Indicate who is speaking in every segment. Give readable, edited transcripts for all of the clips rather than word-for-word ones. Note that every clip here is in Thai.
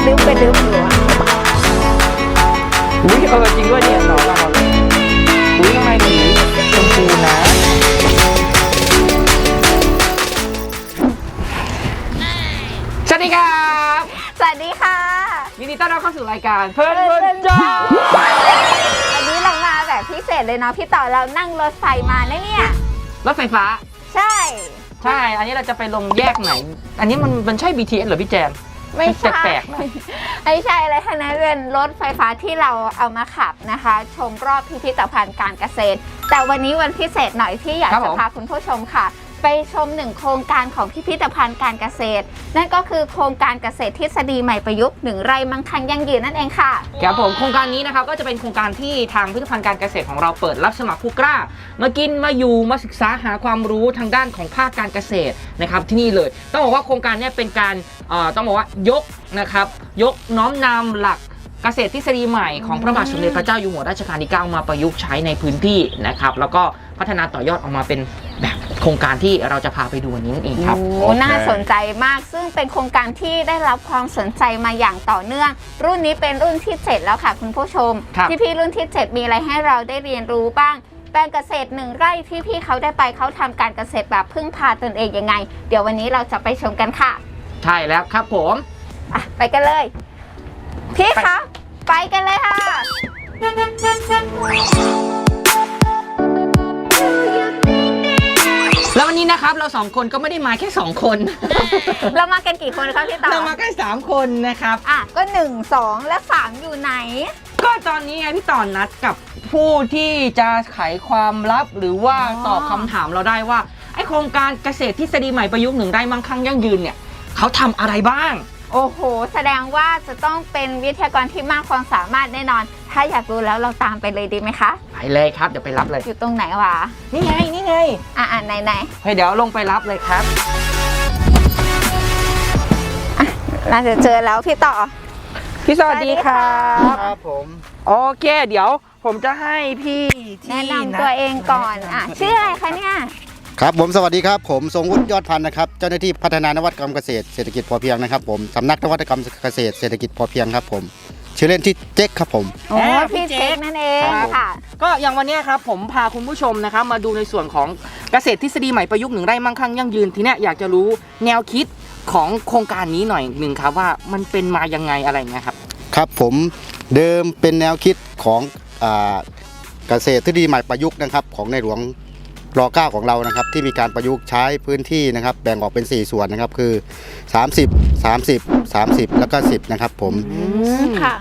Speaker 1: ลึบอยู่อะ
Speaker 2: อุ้ยจริงด้วยเนี่ยหนอนเราอุ้ยข้างในสีชมพูนะสวัสดีครับ
Speaker 1: สวัสดีค่ะ
Speaker 2: ยินดีต้อนรับเข้าสู่รายการเพื่อนจ้า
Speaker 1: วันนี้เรามาแบบพิเศษเลยเนาะพี่ต่อเรานั่งรถไฟมานะเนี่ย
Speaker 2: รถไฟฟ้า
Speaker 1: ใช่
Speaker 2: อันนี้เราจะไปลงแยกไหนอันนี้มันใช่ BTS หรือพี่แจน
Speaker 1: ไม่ใช่
Speaker 2: แปลกๆนะ
Speaker 1: ไม่ใช่อะไรทั้งนั้นเป็นรถไฟฟ้าที่เราเอามาขับนะคะชมรอบพิพิธภัณฑ์การเกษตรแต่วันนี้วันพิเศษหน่อยที่อยากจะพาคุณผู้ชมค่ะไปชมหนึ่งโครงการของพิพิธภัณฑ์การเกษตรนั่นก็คือโครงการเกษตรทฤษฎีใหม่ประยุกต์1 ไร่มั่งคั่งยั่งยืนนั่นเองค่ะ
Speaker 2: ครับผมโครงการนี้นะครับก็จะเป็นโครงการที่ทางพิพิธภัณฑ์การเกษตรของเราเปิดรับสมัครผู้กล้ามากินมาอยู่มาศึกษาหาความรู้ทางด้านของภาคการเกษตรนะครับที่นี่เลยต้องบอกว่าโครงการนี้เป็นการต้องบอกว่ายกนะครับยกน้อมนำหลักเกษตรทฤษฎีใหม่ของพระบาทสมเด็จพระเจ้าอยู่หัวรัชกาลที่ 9มาประยุกต์ใช้ในพื้นที่นะครับแล้วก็พัฒนาต่อยอดออกมาเป็นแบบโครงการที่เราจะพาไปดูวันนี้นั่นเองครับ
Speaker 1: น่าสนใจมากซึ่งเป็นโครงการที่ได้รับความสนใจมาอย่างต่อเนื่องรุ่นนี้เป็นรุ่นที่7แล้วค่ะคุณผู้ชมพี่รุ่นที่7มีอะไรให้เราได้เรียนรู้บ้างแปลงเกษตร1 ไร่ที่พี่เขาได้ไปเขาทำการเกษตรแบบพึ่งพาตนเองยังไงเดี๋ยววันนี้เราจะไปชมกันค่ะ
Speaker 2: ใช่แล้วครับผม
Speaker 1: ไปกันเลยพี่คะไปกันเลยค่ะ
Speaker 2: แล้ววันนี้นะครับเรา2คนก็ไม่ได้มาแค่2คน
Speaker 1: เรามากันกี่คนครับพี่ต่อ
Speaker 2: เรามาแค่3คนนะครับ
Speaker 1: ก็1 2และ3อยู่ไหน
Speaker 2: ก็ตอนนี้ไงพี่ต่อนัดกับผู้ที่จะไขความลับหรือว่าตอบคำถามเราได้ว่าไอโครงการเกษตรทฤษฎีใหม่ประยุกต์1 ไร่มั่งคั่งยั่งยืนเนี่ยเขาทำอะไรบ้าง
Speaker 1: โอ้โหแสดงว่าจะต้องเป็นวิทยากรที่มากความสามารถแน่นอนถ้าอยากรู้แล้วเราตามไปเลยดีไหมคะ
Speaker 2: ไปเลยครับเดี๋ยวไปรับเลย
Speaker 1: อยู่ตรงไหนวะ
Speaker 2: นี่ไง
Speaker 1: ไหน
Speaker 2: เดี๋ยวลงไปรับเลยครับ
Speaker 1: น่าจะเจอแล้วพี่ต่อ
Speaker 2: พี่สวัสดี
Speaker 3: ครับผม
Speaker 2: โอเคเดี๋ยวผมจะให้พี่
Speaker 1: แนะนำตัวเองก่อนชื่ออะไรคะเนี่ย
Speaker 3: ครับผมสวัสดีครับผมทรงวุฒิยอดพันธ์นะครับเจ้าหน้าที่พัฒนานวัตกรรมเกษตรเศรษฐกิจพอเพียงนะครับผมสำนักนวัตกรรมเกษตรเศรษฐกิจพอเพียงครับผมชื่อเล่นที่เจ๊กครับผม
Speaker 1: พี่เจ๊กนั่นเองค่ะ
Speaker 2: ก็อย่างวันนี้ครับผมพาคุณผู้ชมนะครับมาดูในส่วนของเกษตรทฤษฎีใหม่ประยุกต์1 ไร่มั่งคั่งยั่งยืนทีเนี้ยอยากจะรู้แนวคิดของโครงการนี้หน่อยหนึ่งครับว่ามันเป็นมายังไงอะไรเงี้ยครับ
Speaker 3: ครับผมเดิมเป็นแนวคิดของเกษตรทฤษฎีใหม่ประยุกต์นะครับของในหลวงร.9ของเรานะครับที่มีการประยุกต์ใช้พื้นที่นะครับแบ่งออกเป็น4ส่วนนะครับคือ30 30 30แล้วก็10นะครับผม
Speaker 1: ค่ะ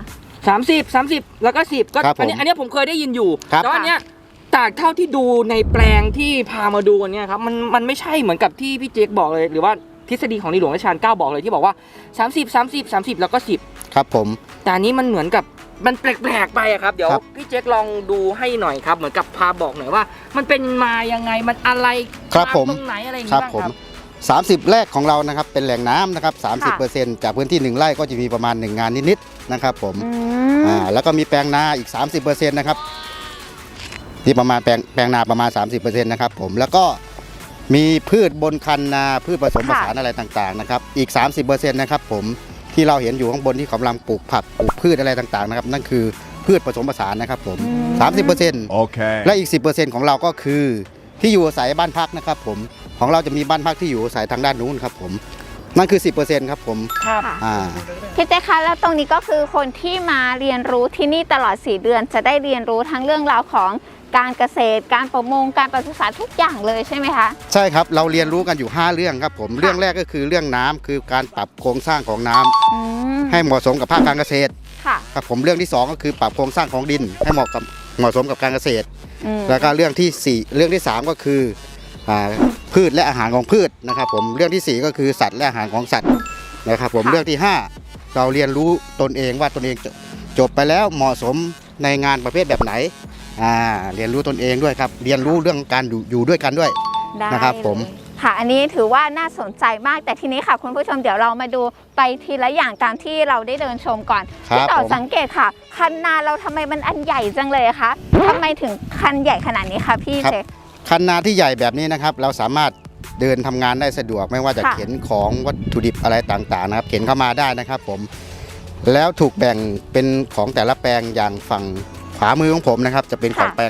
Speaker 2: 30แล้วก็10ก็อันนี้ผมเคยได้ยินอยู่แต่อันเนี้ยจากเท่าที่ดูในแปลงที่พามาดูวันนี้ครับมันไม่ใช่เหมือนกับที่พี่เจ๊กบอกเลยหรือว่าทฤษฎีของในหลวงรัชกาล 9บอกเลยที่บอกว่า30แล้วก็10
Speaker 3: ครับผม
Speaker 2: แต่อันนี้มันเหมือนกับมันแปลกๆไปครับเดี๋ยวพี่เจ๊กลองดูให้หน่อยครับเหมือนกับพาบอกหน่อยว่ามันเป็นมายังไงมันอะไรตรงไหนอะไรอย่างเงี้ยครับ
Speaker 3: 30แรกของเรานะครับเป็นแหล่งน้ำนะครับ 30% จากพื้นที่1 ไร่ก็จะมีประมาณ1 งานนิดๆนะครับผมแล้วก็มีแปลงนาอีก 30% นะครับที่ประมาณแปลงนาประมาณ 30% นะครับผมแล้วก็มีพืชบนคันนาพืชผสมผสานอะไรต่างๆนะครับอีก 30% นะครับผมที่เราเห็นอยู่ข้างบนที่กำลังปลูกผักปลูกพืชอะไรต่างๆนะครับนั่นคือพืชผสมผสานนะครับผม 30%
Speaker 4: โอเค
Speaker 3: และอีก 10% ของเราก็คือที่อยู่อาศัยบ้านพักนะครับผมของเราจะมีบ้านพักที่อยู่อาศัยทางด้านนู้นครับผมนั่นคือ 10% ครับผม
Speaker 1: ครับพี่เจ๊คะแล้วตรงนี้ก็คือคนที่มาเรียนรู้ที่นี่ตลอด4 เดือนจะได้เรียนรู้ทั้งเรื่องราวของการเกษตรการประมงการปศุสัตว์ทุกอย่างเลยใช่ไหมคะ
Speaker 3: ใช่ครับเราเรียนรู้กันอยู่5 เรื่องครับผมเรื่องแรกก็คือเรื่องน้ำคือการปรับโครงสร้างของน้ำให้เหมาะสมกับภาคการเกษตรครับผมเรื่องที่2ก็คือปรับโครงสร้างของดินให้เหมาะสมกับการเกษตรแล้วก็เรื่องที่3ก็คือพืชและอาหารของพืชนะครับผมเรื่องที่4ก็คือสัตว์และอาหารของสัตว์นะครับผมเรื่องที่5เราเรียนรู้ตนเองว่าตนเองจบไปแล้วเหมาะสมในงานประเภทแบบไหนเรียนรู้ตนเองด้วยครับเรียนรู้เรื่องการอยู่ด้วยกันด้วยนะครับผม
Speaker 1: ค่ะอันนี้ถือว่าน่าสนใจมากแต่ทีนี้ค่ะคุณผู้ชมเดี๋ยวเรามาดูไปทีละอย่างตามที่เราได้เดินชมก่อนที่ต่อสังเกตค่ะคันนาเราทำไมมันอันใหญ่จังเลยคะทำไมถึงคันใหญ่ขนาดนี้คะพี่เจ
Speaker 3: คันนาที่ใหญ่แบบนี้นะครับเราสามารถเดินทำงานได้สะดวกไม่ว่าจะเข็นของวัตถุดิบอะไรต่างๆนะครับเข็นเข้ามาได้นะครับผมแล้วถูกแบ่งเป็นของแต่ละแปลงอย่างฝั่งขวามือของผมนะครับจะเป็นของแปลง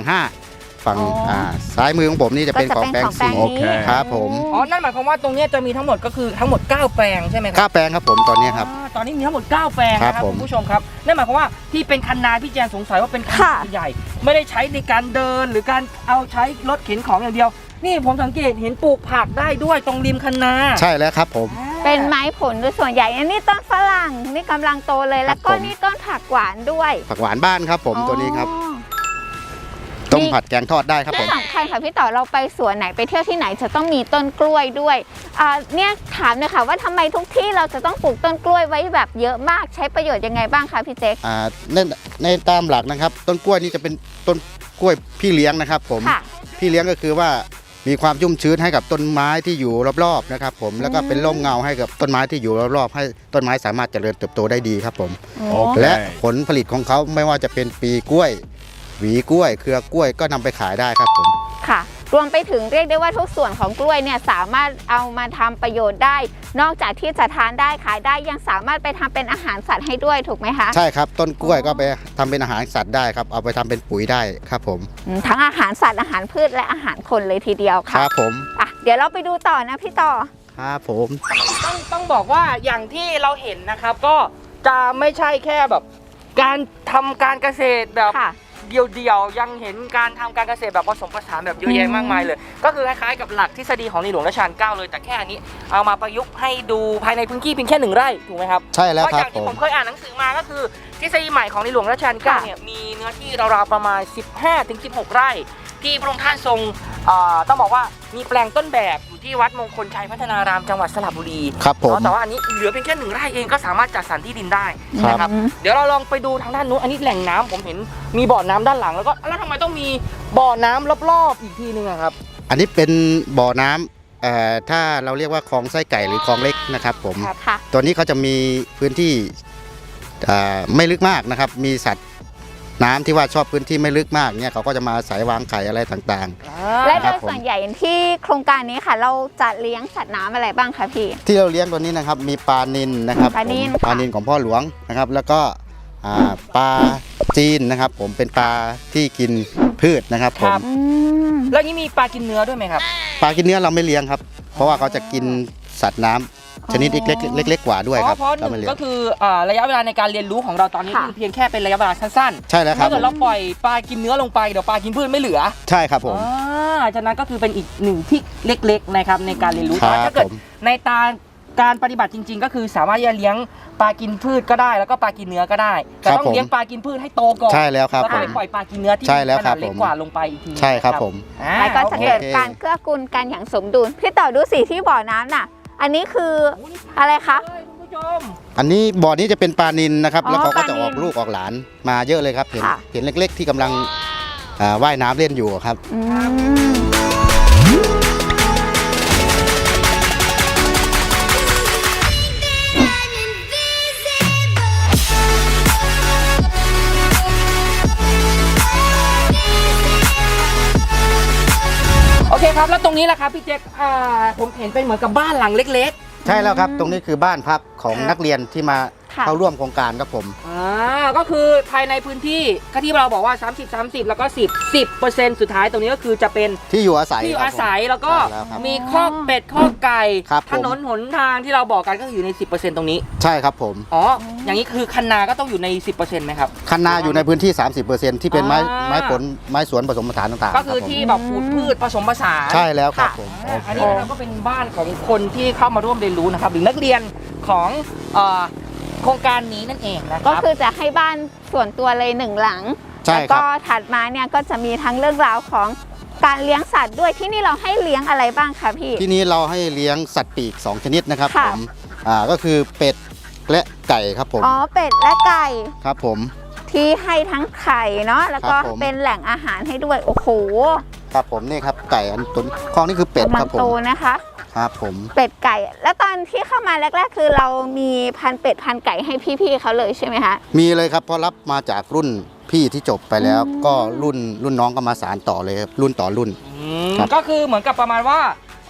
Speaker 3: 5 ฝั่งซ้ายมือของผมนี่จะเป็นของแปลง 4ครับผม
Speaker 2: อ๋อนั่นหมายความว่าตรงนี้จะมีทั้งหมดก็คือทั้งหมด9แปลงใช่ไหมครั
Speaker 3: 9 แปลงครับผมตอนนี้ครับ
Speaker 2: ตอนนี้มีทั้งหมด9แปลงนะครับคุณผู้ชมครับนั่นหมายความว่าที่เป็นคันนาพี่แจนสงสัยว่าเป็นคันนาใหญ่ไม่ได้ใช้ในการเดินหรือการเอาใช้รถเข็นของอย่างเดียวนี่ผมสังเกตเห็นปลูกผักได้ด้วยตรงริมคันนา
Speaker 3: ใช่แล้วครับผม
Speaker 1: เป็นไม้ผลโดยส่วนใหญ่อันนี้ต้นฝรั่งนี่กำลังโตเลยแล้วก็นี่ต้นผักหวานด้วย
Speaker 3: ผักหวานบ้านครับผมตัวนี้ครับต้มผัดแกงทอดได้ครับผม
Speaker 1: ที่สำคัญค่ะพี่ต่อเราไปสวนไหนไปเที่ยวที่ไหนจะต้องมีต้นกล้วยด้วยเนี่ยถามเลยค่ะว่าทำไมทุกที่เราจะต้องปลูกต้นกล้วยไว้แบบเยอะมากใช้ประโยชน์ยังไงบ้างคะพี่เจ๊ก
Speaker 3: ในตามหลักนะครับต้นกล้วยนี่จะเป็นต้นกล้วยพี่เลี้ยงนะครับผมพี่เลี้ยงก็คือว่ามีความชุ่มชื้นให้กับต้นไม้ที่อยู่รอบๆนะครับผมแล้วก็เป็นร่มเงาให้กับต้นไม้ที่อยู่รอบๆให้ต้นไม้สามารถเจริญเติบโตได้ดีครับผมและผลผลิตของเขาไม่ว่าจะเป็นปีกล้วยหวีกล้วยเครือกล้วยก็นำไปขายได้ครับผม
Speaker 1: ค่ะรวมไปถึงเรียกได้ว่าทุกส่วนของกล้วยเนี่ยสามารถเอามาทำประโยชน์ได้ นอกจากที่จะทานได้ขายได้ยังสามารถไปทำเป็นอาหารสัตว์ให้ด้วยถูกไหมคะ
Speaker 3: ใช่ครับต้นกล้วยก็ไปทำเป็นอาหารสัตว์ได้ครับเอาไปทำเป็นปุ๋ยได้ครับผม
Speaker 1: ทั้งอาหารสัตว์อาหารพืชและอาหารคนเลยทีเดียวค่ะ
Speaker 3: ครับผม
Speaker 1: เดี๋ยวเราไปดูต่อนะพี่ต่อ
Speaker 3: ครับผม
Speaker 2: ต้องบอกว่าอย่างที่เราเห็นนะครับก็จะไม่ใช่แค่แบบการทำการเกษตรแบบเดียวยังเห็นการทำการเกษตรแบบผสมผสานแบบเยอะแยะมากมายเลยก็คือคล้ายๆกับหลักทฤษฎีของในหลวงรัชกาลที่ 9เลยแต่แค่อันนี้เอามาประยุกต์ให้ดูภายในพื้นที่เพียงแค่1 ไร่ถูกไหมครับ
Speaker 3: ใช่แล้วครับ
Speaker 2: เพราะอย่างที่ผมเคยอ่านหนังสือมาก็คือทฤษฎีใหม่ของในหลวงรัชกาลที่ 9เนี่ยมีเนื้อที่ราวๆประมาณ 15-16 ไร่ที่พระองค์ท่านทรงต้องบอกว่ามีแปลงต้นแบบอยู่ที่วัดมงคลชัยพัฒนารามจังหวัดสระบุรี
Speaker 3: ครับผม
Speaker 2: แต่ว่าอันนี้เหลือเพียงแค่1 ไร่เองก็สามารถจัดสรรที่ดินได้นะครับเดี๋ยวเราลองไปดูทางด้านนู้นอันนี้แหล่งน้ำผมเห็นมีบ่อน้ำด้านหลังแล้วทำไมต้องมีบ่อน้ำรอบๆอีกทีนึงครับ
Speaker 3: อันนี้เป็นบ่อน้ำถ้าเราเรียกว่าคลองไส้ไก่หรือคลองเล็กนะครับผมตัวนี้เขาจะมีพื้นที่ไม่ลึกมากนะครับมีสัตว์น้ำที่ว่าชอบพื้นที่ไม่ลึกมากเนี่ยเขาก็จะมาอาศัยวางไข่อะไรต่าง
Speaker 1: ๆและโดยส่วนใหญ่ที่โครงการนี้ค่ะเราจะเลี้ยงสัตว์น้ำอะไรบ้างคะพี่
Speaker 3: ที่เราเลี้ยงตัวนี้นะครับมีปลานิลนะครับปลานิลของพ่อหลวงนะครับแล้วก็ปลาจีนนะครับผมเป็นปลาที่กินพืชนะครับผม
Speaker 2: แล้วนี้มีปลากินเนื้อด้วยไหมครับ
Speaker 3: ปลากินเนื้อเราไม่เลี้ยงครับเพราะว่าเขาจะกินสัตว์น้ำชนิดเล็กกว่าด้วยครับ
Speaker 2: เพราะ1ก็คือระยะเวลาในการเรียนรู้ของเราตอนนี้คือเพียงแค่เป็นระยะเวลาสั้น
Speaker 3: ๆใช่แล้วครับ
Speaker 2: ถ้าเกิดเราปล่อยปลากินเนื้อลงไปเดี๋ยวปลากินพืชไม่เหลือ
Speaker 3: ใช่ครับผม
Speaker 2: ฉะนั้นก็คือเป็นอีก1ที่เล็กๆนะครับในการเรียนรู้ถ้าเกิดในการปฏิบัติจริงๆก็คือสามารถจะเลี้ยงปลากินพืชก็ได้แล้วก็ปลากินเนื้อก็ได้แต่ต้องเลี้ยงปลากินพืชให้โตก่อน
Speaker 3: ใช่แล้วครับ
Speaker 2: แล้วก็ไปปล่อยปลากินเนื้อที่ขนาดเล็กกว่าลงไปอีกที
Speaker 3: ใช่ครับผม
Speaker 1: แล้วก็จะเกิดการเกื้อกูลกันอย่างสมดุลพี่ต่อดูสิที่บ่อน้ำน่ะอันนี้คืออะไรคะ
Speaker 3: อันนี้บ่อนี้จะเป็นปลานิลนะครับแล้วเขาก็จะออกลูกออกหลานมาเยอะเลยครับเห็นเล็กๆที่กำลังว่ายน้ำเล่นอยู่ครับ
Speaker 2: โอเคครับแล้วตรงนี้แหละครับพี่เจ๊กผมเห็นเป็นเหมือนกับบ้านหลังเล็ก
Speaker 3: ๆใช่แล้วครับตรงนี้คือบ้านพักของนักเรียนที่มาเข้าร่วมโครงการครับผม
Speaker 2: ก็คือภายในพื้นที่ที่เราบอกว่า30แล้วก็10%สุดท้ายตรงนี้ก็คือจะเป็น
Speaker 3: ที่อยู่อาศัย
Speaker 2: แล้วก็มีคอกเป็ดคอกไก่ถนนหนทางที่เราบอกกันก็อยู่ใน 10%ตรงนี้
Speaker 3: ใช่ครับผม
Speaker 2: อย่างนี้คือคันนาก็ต้องอยู่ใน 10%ไหมครับ
Speaker 3: คันนาอยู่ในพื้นที่ 30%ที่เป็นไม้ผลไม้สวนผสมผสานต่างๆ
Speaker 2: ก็คือที่แบบปลูกพืชผสมผสาน
Speaker 3: ใช่แล้วครับผม
Speaker 2: อันนี้เราก็เป็นบ้านของคนที่เข้ามาร่วมเรียนรู้นะครับหรือนักเรียนของโครงการนี้นั่นเองนะครับ
Speaker 1: ก็คือจะให้บ้านส่วนตัวเลย1 หลังแล้วก็ถัดมาเนี่ยก็จะมีทั้งเรื่องราวของการเลี้ยงสัตว์ด้วยที่นี่เราให้เลี้ยงอะไรบ้างคะพี่
Speaker 3: ที่นี้เราให้เลี้ยงสัตว์ปีก2 ชนิดนะครับผมก็คือเป็ดและไก่ครับผม
Speaker 1: เป็ดและไก่
Speaker 3: ครับผม
Speaker 1: ที่ให้ทั้งไข่เนาะแล้วก็เป็นแหล่งอาหารให้ด้วยโอ้โห
Speaker 3: ครับผมนี่ครับไก่อันต้นข้อนี้คือเป็ดครับผม
Speaker 1: โตนะคะ
Speaker 3: ครับผม
Speaker 1: เป็ดไก่แล้วตอนที่เข้ามาแรกๆคือเรามีพันเป็ดพันไก่ให้พี่ๆเขาเลยใช่ไหมคะ
Speaker 3: มีเลยครับเพราะรับมาจากรุ่นพี่ที่จบไปแล้วก็รุ่นน้องก็มาสานต่อเลยครับรุ่นต่อรุ่น
Speaker 2: ก็คือเหมือนกับประมาณว่า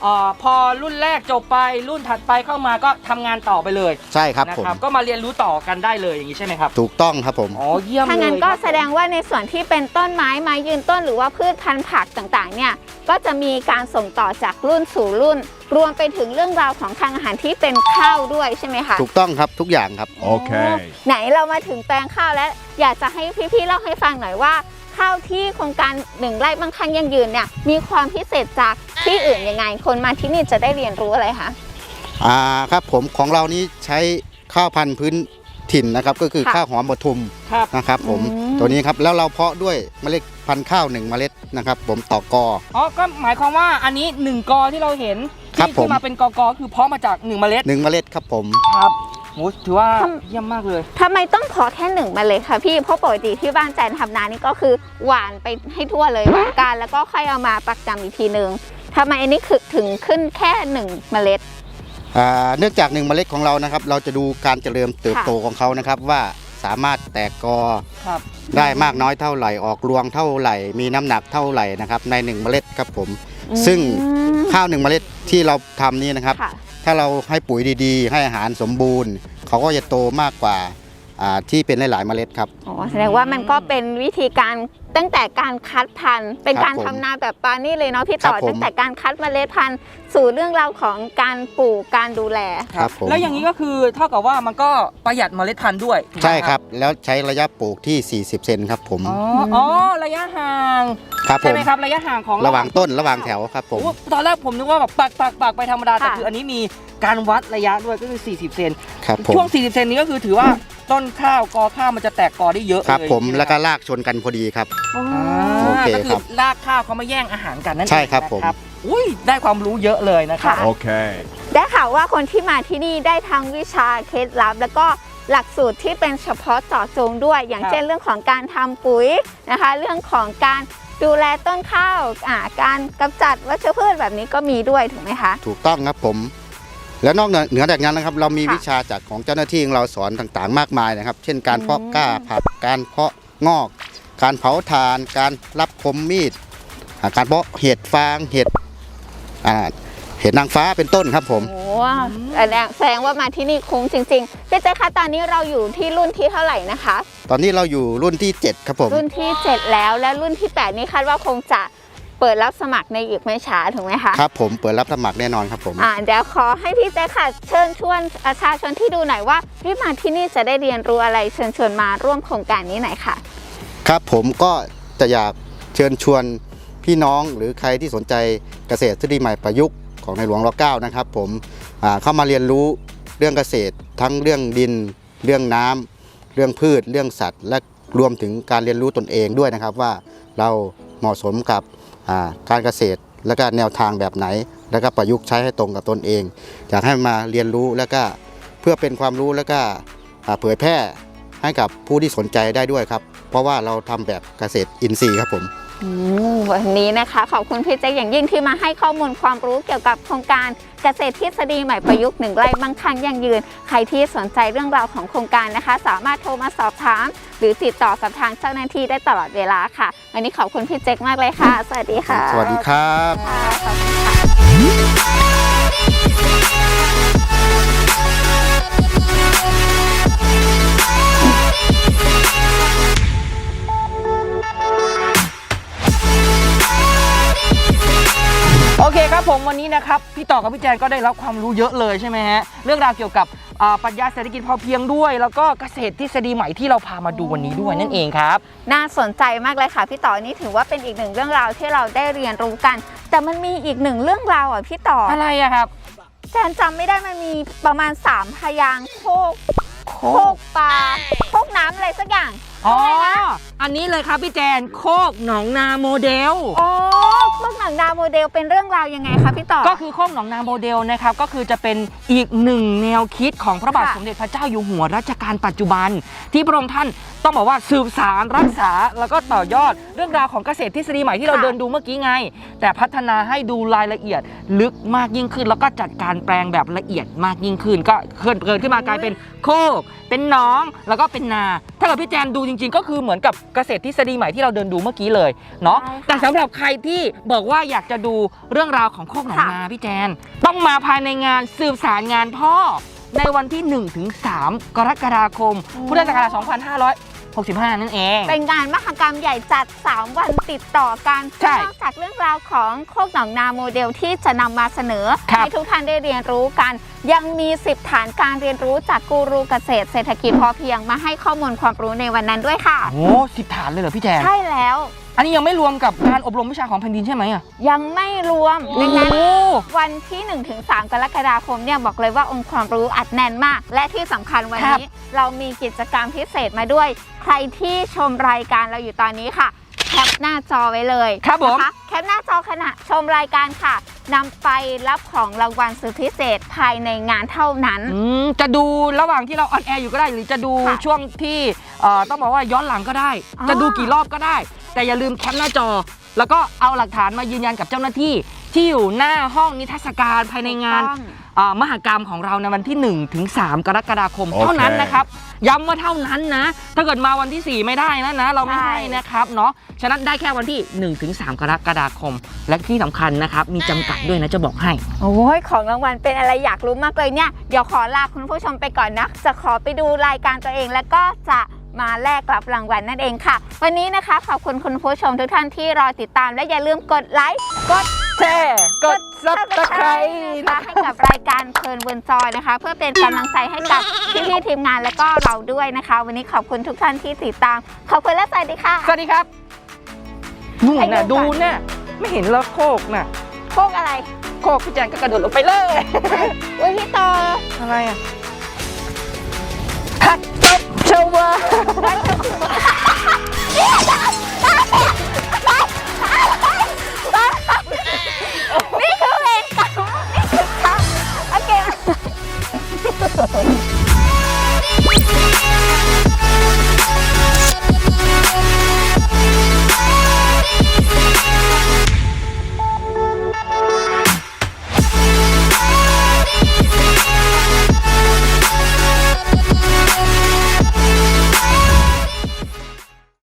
Speaker 2: พอรุ่นแรกจบไปรุ่นถัดไปเข้ามาก็ทำงานต่อไปเลย
Speaker 3: ใช่ครับ
Speaker 2: นะ
Speaker 3: ผม
Speaker 2: ครับก็มาเรียนรู้ต่อกันได้เลยอย่างนี้ใช่ไหมครับ
Speaker 3: ถูกต้องครับผม
Speaker 2: อ๋อเยี่ยมเลย
Speaker 1: ถ้างั้นก็
Speaker 2: ครับ
Speaker 1: แสดงว่าในส่วนที่เป็นต้นไม้ไม้ยืนต้นหรือว่าพืชพันธุ์ผักต่างๆเนี่ยก็จะมีการส่งต่อจากรุ่นสู่รุ่น รวมไปถึงเรื่องราวของทางอาหารที่เป็นข้าวด้วยใช่ไหมคะ
Speaker 3: ถูกต้องครับทุกอย่างครับ
Speaker 4: Okay.
Speaker 1: ไหนเรามาถึงแปลงข้าวแล้ว อยากจะให้พี่ๆเล่าให้ฟังหน่อยว่าข้าวที่โครงการ1 ไร่มั่งคั่งยั่งยืนเนี่ยมีความพิเศษจากที่อื่นยังไง คนมาที่นี่จะได้เรียนรู้อะไรคะ
Speaker 3: ครับผมของเรานี้ใช้ข้าวพันธุ์พื้นถิ่นนะครับก็คือ
Speaker 1: ค่ะ
Speaker 3: ข้าวหอมปทุม
Speaker 2: ครับ
Speaker 3: นะครับผม
Speaker 1: อืม
Speaker 3: ตัวนี้ครับแล้วเราเพาะด้วยเมล็ดพันธุ์ข้าว1 เมล็ดนะครับผมต่อกอ
Speaker 2: อ๋อก็หมายความว่าอันนี้1 กอที่เราเห็น
Speaker 3: ครับ
Speaker 2: ที่
Speaker 3: ผม
Speaker 2: มาเป็นกอกอคือเพาะมาจาก1 เมล็ด
Speaker 3: 1 เมล็ดครับผม
Speaker 2: ครับโหถือว่าเยี่ยมมากเลย
Speaker 1: ทำไมต้องเพาะแค่1 เมล็ดคะพี่เพราะปกติที่บ้านแจนทำนานี่ก็คือหว่านไปให้ทั่วเลยหว่านการแล้วก็ค่อยเอามาปักจำอีกทีนึงทำไมอันนี้คือถึงขึ้นแค่1 เมล็ด
Speaker 3: เนื่องจาก1 เมล็ดของเรานะครับเราจะดูการเจริญเติบโตของเขานะครับว่าสามารถแตกกอ
Speaker 2: ครับ
Speaker 3: ได้มากน้อยเท่าไหร่ออกรวงเท่าไหร่ มีน้ำหนักเท่าไหร่นะครับใน1 เมล็ดครับผมซึ่งข้าว1 เมล็ดที่เราทำนี้นะครับ
Speaker 1: ค่ะ
Speaker 3: ถ้าเราให้ปุ๋ยดีๆ ให้อาหารสมบูรณ์ เขาก็จะโตมากกว่าที่เป็นหลายๆเมล็ดครับ
Speaker 1: อ๋อแสดงว่ามันก็เป็นวิธีการตั้งแต่การคัดพันธุ์เป็นการ
Speaker 3: ครับผม
Speaker 1: ทำนาแบบปานี่เลยเนาะพี่ต่อ
Speaker 3: ครับผม
Speaker 1: ตั้งแต่การคัดเมล็ดพันธุ์สู่เรื่องราวของการปลูกการดูแล
Speaker 3: ครับผม
Speaker 2: แล้วอย่างนี้ก็คือเท่ากับว่ามันก็ประหยัดเมล็ดพันธุ์ด้วยถูกไหม
Speaker 3: ใช่ครับแล้วใช้ระยะปลูกที่ 40 เซนครับผม
Speaker 2: อ๋อระยะห่าง
Speaker 3: ครับผ
Speaker 2: ใช่
Speaker 3: ม
Speaker 2: ไหมครับระยะห่างของ
Speaker 3: ระหว่างต้นระหว่างแถวครับผม
Speaker 2: โอ้ตอนแรกผมนึกว่าแบบปักไปธรรมดาแต่
Speaker 1: ค่ะ
Speaker 2: คืออันนี้มีการวัดระยะด้วยก็คือ40 เซน
Speaker 3: ครับผม
Speaker 2: ช่วง40 เซนนี้ก็คือถือว่าต้นข้าวกอข้าวมันจะแตกกอได้เยอะเลย
Speaker 3: ครับผม
Speaker 2: ใช่ไห
Speaker 3: แล้วก็ลากชนกันพอดีครับ
Speaker 1: อ๋อ
Speaker 3: โอเค
Speaker 2: ก็
Speaker 3: ค
Speaker 2: คื
Speaker 3: รั
Speaker 2: อบ รากข้าวเขามาแย่งอาหารกันนั่นเอง
Speaker 3: ใช่ครับผม
Speaker 2: นะอุ้ยได้ความรู้เยอะเลยนะครับ
Speaker 1: ค่ะ
Speaker 4: Okay.
Speaker 1: ได้ข่าวว่าคนที่มาที่นี่ได้ทั้งวิชาเคล็ดลับ แล้วก็หลักสูตรที่เป็นเฉพาะเจาะจงด้วย อย่าง
Speaker 2: ครับ
Speaker 1: เช่นเรื่องของการทำปุ๋ยนะคะ เรื่องของการดูแลต้นข้าวการกำจัดวัชพืชแบบนี้ก็มีด้วยถูกไหมคะ
Speaker 3: ถูกต้องครับผม แล้วนอกเหนือจากนั้นนะครับ เรามี
Speaker 1: ค่ะ
Speaker 3: วิชาจากของเจ้าหน้าที่ของเราสอนต่างๆ มากมายนะครับ เช่นการเพาะกล้าผักการเพาะงอก การเผาถ่าน การรับคมมีดการเพาะเห็ดฟางเห็ดเห็ดนางฟ้าเป็นต้นครับผม
Speaker 1: โอ้แสดงว่ามาที่นี่คุ้มจริงๆพี่เจ๊คะตอนนี้เราอยู่ที่รุ่นที่เท่าไหร่นะคะ
Speaker 3: ตอนนี้เราอยู่รุ่นที่ 7 ครับผม
Speaker 1: รุ่นที่ 7 แล้วและรุ่นที่ 8 นี้คาดว่าคงจะเปิดรับสมัครในอีกไม่ช้าถูกไหมคะ
Speaker 3: ครับผมเปิดรับสมัครแน่นอนครับผม
Speaker 1: เดี๋ยวขอให้พี่เจ๊ค่ะเชิญชวนประชาชนที่ดูหน่อยว่ามาที่นี่จะได้เรียนรู้อะไรเชิญชวนมาร่วมโครงการนี้หน่อยค่ะ
Speaker 3: ครับผมก็จะอยากเชิญชวนพี่น้องหรือใครที่สนใจเกษตรทฤษฎีใหม่ประยุกต์ของในหลวงรัชกาลที่ 9นะครับผมเข้ามาเรียนรู้เรื่องเกษตรทั้งเรื่องดิน เรื่องน้ำเรื่องพืชเรื่องสัตว์ และรวมถึงการเรียนรู้ตนเองด้วยนะครับว่าเราเหมาะสมกับการเกษตรและก็แนวทางแบบไหน แล้วก็ประยุกต์ใช้ให้ตรงกับตนเอง อยากให้มาเรียนรู้แล้วก็เพื่อเป็นความรู้แล้วก็เผยแพร่ให้กับผู้ที่สนใจได้ด้วยครับเพราะว่าเราทำแบบเกษตรอินทรีย์ครับผม
Speaker 1: วันนี้นะคะขอบคุณพี่เจ๊อย่างยิ่งที่มาให้ข้อมูลความรู้เกี่ยวกับโครงการเกษตรทฤษฎีใหม่ประยุกต์1 ไร่มั่งคั่งยั่งยืนใครที่สนใจเรื่องราวของโครงการนะคะ สามารถโทรมาสอบถามหรือติดต่อกับทางเจ้าหน้าที่ได้ตลอดเวลาค่ะวันนี้ขอบคุณพี่เจ๊มากเลยค่ะ สวัสดีค่ะ
Speaker 3: สวัสดีครับ
Speaker 1: ค่ะขอบคุณค่ะ
Speaker 2: โอเคครับผมวันนี้นะครับพี่ต่อกับพี่แจนก็ได้รับความรู้เยอะเลยใช่ไหมฮะเรื่องราวเกี่ยวกับปรัชญาเศรษฐกิจพอเพียงด้วย แล้วก็เกษตรทฤษฎีใหม่ที่เราพามาดูวันนี้ด้วยนั่นเองครับ
Speaker 1: น่าสนใจมากเลยค่ะพี่ต่อนี่ถือว่าเป็นอีกหนึ่งเรื่องราวที่เราได้เรียนรู้กัน แต่มันมีอีกหนึ่งเรื่องราวพี่ต่อ
Speaker 2: อะไรอะครับ
Speaker 1: แจนจำไม่ได้มันมีประมาณ3 พยางค์โคกปลาโคกน้ำอะไรสักอย่าง
Speaker 2: อ๋ออันนี้เลยครับพี่แจนโคกหนองนาโมเดล
Speaker 1: อ๋อโคกหนังดาวโมเดลเป็นเรื่องราวยังไงคะพี่ต่อ
Speaker 2: ก็คือโคกหนองนาโมเดลนะครับก็คือจะเป็นอีกหนึ่งแนวคิดของพระบาท
Speaker 1: ค่ะ
Speaker 2: สมเด็จพระเจ้าอยู่หัวรัชกาลปัจจุบัน ที่พระองค์ท่านต้องบอกว่าสืบสารรักษาแล้วก็ต่อยอดเรื่องราวของเกษตรทฤษฎีใหม่ที่เราเดินดูเมื่อกี้ไง แต่พัฒนาให้ดูรายละเอียดลึกมากยิ่งขึ้น แล้วก็จัดการแปลงแบบละเอียดมากยิ่งขึ้น ก็เกิดขึ้นมากลายเป็นโคกเป็นหนองแล้วก็เป็นนา ถ้าเกิดพี่แจนดูจริงๆ ก็คือเหมือนกับเกษตรทฤษฎีใหม่ที่เราเดินดูเมื่อกี้เลยเนาะ
Speaker 1: ใช่ค่ะ
Speaker 2: แต่สำหรับใครที่บอกว่าอยากจะดูเรื่องราวของโคกหนองนาพี่แจนต้องมาภายในงานสืบสารงานพ่อในวันที่ 1-3 กรกฎาคม พุทธศักราช 2565 นั่นเอง
Speaker 1: เป็นงานมหกรรมใหญ่จัด 3 วันติดต่อกัน
Speaker 2: ใช่
Speaker 1: นอกจากเรื่องราวของโคกหนองนาโมเดลที่จะนำมาเสนอ
Speaker 2: ครับ
Speaker 1: ให้ทุกท่านได้เรียนรู้กัน ยังมี 10 ฐานการเรียนรู้จากกูรูเกษตรเศรษฐกิจพอเพียงมาให้ข้อมูลความรู้ในวันนั้นด้วยค่ะ
Speaker 2: โอ้10 ฐานเลยเหรอพี่แจน
Speaker 1: ใช่แล้ว
Speaker 2: อันนี้ยังไม่รวมกับการอบรมวิชาของแผ่นดินใช่ไหมอ่ะ
Speaker 1: ยังไม่รวม
Speaker 2: โอ้
Speaker 1: ดังนั้นวันที่ 1-3 กรกฎาคมเนี่ยบอกเลยว่าองค์ความรู้อัดแน่นมาก และที่สำคัญวันนี้เรามีกิจกรรมพิเศษมาด้วย ใครที่ชมรายการเราอยู่ตอนนี้ค่ะ แคปหน้าจอไว้เลย
Speaker 2: ครับผม
Speaker 1: นะคะแคปหน้าจอขณะชมรายการค่ะนำไปรับของรางวัลสุดพิเศษภายในงานเท่านั้น
Speaker 2: จะดูระหว่างที่เราออนแอร์อยู่ก็ได้ หรือจะดู
Speaker 1: ค่ะ
Speaker 2: ช่วงที่ต้องบอกว่าย้อนหลังก็ได้
Speaker 1: อ๋อ
Speaker 2: จะดูกี่รอบก็ได้ แต่อย่าลืมแคปหน้าจอ แล้วก็เอาหลักฐานมายืนยันกับเจ้าหน้าที่ที่อยู่หน้าห้องนิทรรศการภายในงาน
Speaker 1: ถูกต้อง
Speaker 2: มหกรรมของเราในวันที่ 1-3 กรกฎาคม
Speaker 3: โอเค
Speaker 2: เท่านั้นนะครับ ย้ำว่าเท่านั้นนะ ถ้าเกิดมาวันที่ 4 ไม่ได้นะเราไม่ให้นะครับเนาะฉะนั้นได้แค่วันที่ 1-3 กรกฎาคม และที่สำคัญนะครับมีจำกัดด้วยนะจะบอกให้
Speaker 1: โอ้ยของรางวัลเป็นอะไรอยากรู้มากเลยเนี่ยเดี๋ยวขอลาคุณผู้ชมไปก่อนนะจะขอไปดูรายการตัวเองแล้วก็จะมาแลกรับรางวัลนั่นเองค่ะ วันนี้นะคะขอบคุณคุณผู้ชมทุกท่านที่รอติดตามและอย่าลืมกดไลค์กด
Speaker 2: แชร์กด Subscribe
Speaker 1: นะคะให้กับรายการเพลินบนจอยนะคะ เพื่อเป็นกำลังใจให้กับพี่ๆทีมงานและก็เราด้วยนะคะ วันนี้ขอบคุณทุกท่านที่ติดตามขอบคุณและสวัสดีค่ะ
Speaker 2: สวัสดีครับนู่น
Speaker 1: ให้
Speaker 2: น่ะ
Speaker 1: ดู
Speaker 2: ดู
Speaker 1: ก่อน
Speaker 2: น่ะไม่เห็นแล้วโคกน่ะ
Speaker 1: โคกอะไร
Speaker 2: โคกพี่แจนก็กระโดดลงไปเลย
Speaker 1: อุ้ยพี่ต่อ
Speaker 2: อะไรอ่ะ